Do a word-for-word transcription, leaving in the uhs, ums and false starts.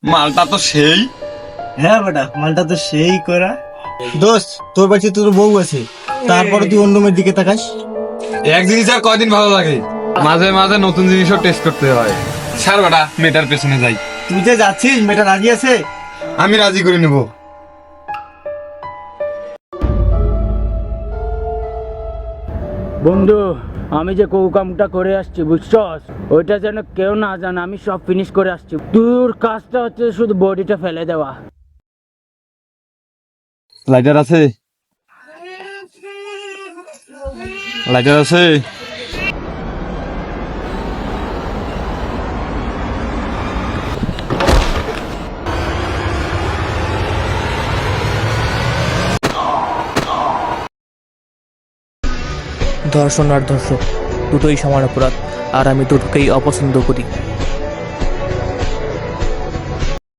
মালটা তো সেই। হ্যাঁ বেটা, মালটা তো সেই করা। দোস্ত, তোর বাড়িতে তোর বউ আছে, তারপরে তুই অন্য মেয়ের দিকে তাকাস। এক জিনিস আর কয়দিন ভালো লাগে, মাঝে মাঝে নতুন জিনিসও টেস্ট করতে হয়। স্যার বেটা, মেয়েটার পেছনে যাই। তুই যে যাচ্ছিস, মেয়েটা রাজি আছে? আমি রাজি করে নেব। বন্ধু, আমি যে কৌ কামটা করে আসছি বুঝছস, ওইটা যেন কেউ না জানে, আমি সব ফিনিশ করে আসছি। তোর কাজটা হচ্ছে শুধু বডিটা ফেলে দেওয়া। লাইটার আছে? লাইটার আছে? ধর্ষণ আর ধর্ষক দুটোই সমান অপরাধ, আর আমি দুটোকেই অপছন্দ করি।